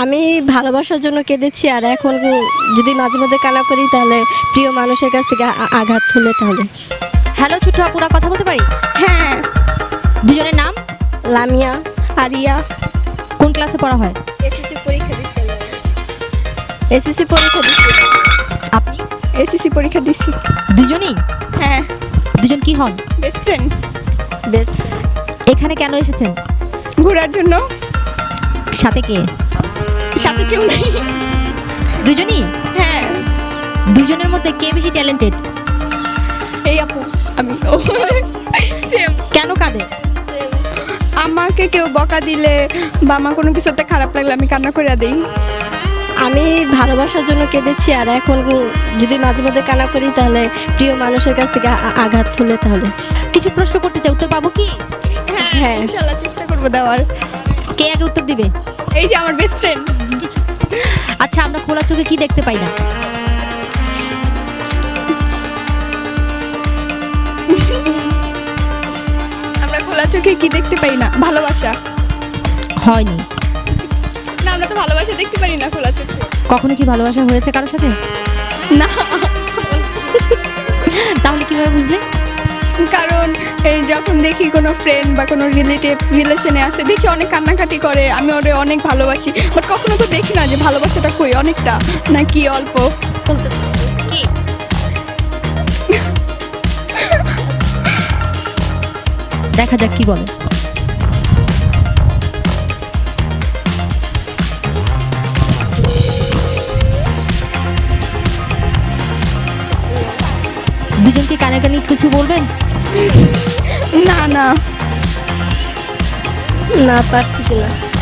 আমি ভালোবাসার জন্য কেঁদেছি, আর এখন যদি মাঝে মধ্যে কান্না করি তাহলে প্রিয় মানুষের কাছ থেকে আঘাত হলে তাহলে। হ্যালো ছোট্ট আপুরা, কথা বলতে পারি? হ্যাঁ। দুজনের নাম? লামিয়া, আরিয়া। কোন ক্লাসে পড়া হয়? এসএসসি পরীক্ষা দিচ্ছি। এসএসসি পরীক্ষা দিচ্ছি। আপনি? এসএসসি পরীক্ষা দিচ্ছি। দুজনেই? হ্যাঁ। দুজন কি হন? Best friend. বেস্ট। এখানে কেন এসেছেন? ঘোরার জন্য। সাথে কে? সাথে কেউ নেই। দুজনই? হ্যাঁ। দুজনের মধ্যে কে বেশি ট্যালেন্টেড? এই আপু, আমি। সেম। কেন কাঁদে? আমাকে কেউ বকা দিলে বা আমার কোনো কিছুতে খারাপ লাগলে আমি কান্না করে দিই। আমি ভালোবাসার জন্য কেঁদেছি, আর এখন যদি মাঝে মধ্যে কান্না করি তাহলে প্রিয় মানুষের কাছ থেকে আঘাত হলে তাহলে। কিছু প্রশ্ন করতে চাই, উত্তর পাবো কি? হ্যাঁ, ইনশাআল্লাহ চেষ্টা করব দেওয়ার। কে আগে উত্তর দিবে? এই যে আমার বেস্ট ফ্রেন্ড। আচ্ছা, আমরা খোলা চোখে কি দেখতে পাই না? আমরা খোলা চোখে কি দেখতে পাই না? ভালোবাসা। হয়নি। না, আমরা তো ভালোবাসা দেখতে পারি না খোলা চোখে। কখনো কি ভালোবাসা হয়েছে কারোর সাথে? না। তাহলে কিভাবে বুঝলে? কারণ এই যখন দেখি কোনো ফ্রেন্ড বা কোনো রিলেশনে আছে, দেখি অনেক কান্নাকাটি করে, আমি ওরে অনেক ভালোবাসি, বাট কখনো তো দেখি না যে ভালোবাসাটা কই, অনেকটা নাকি অল্প। বলতে কি? দেখা যাক কি বলে। দুজনকে কানে কানে কিছু বলবেন? না না, পারতেছি না।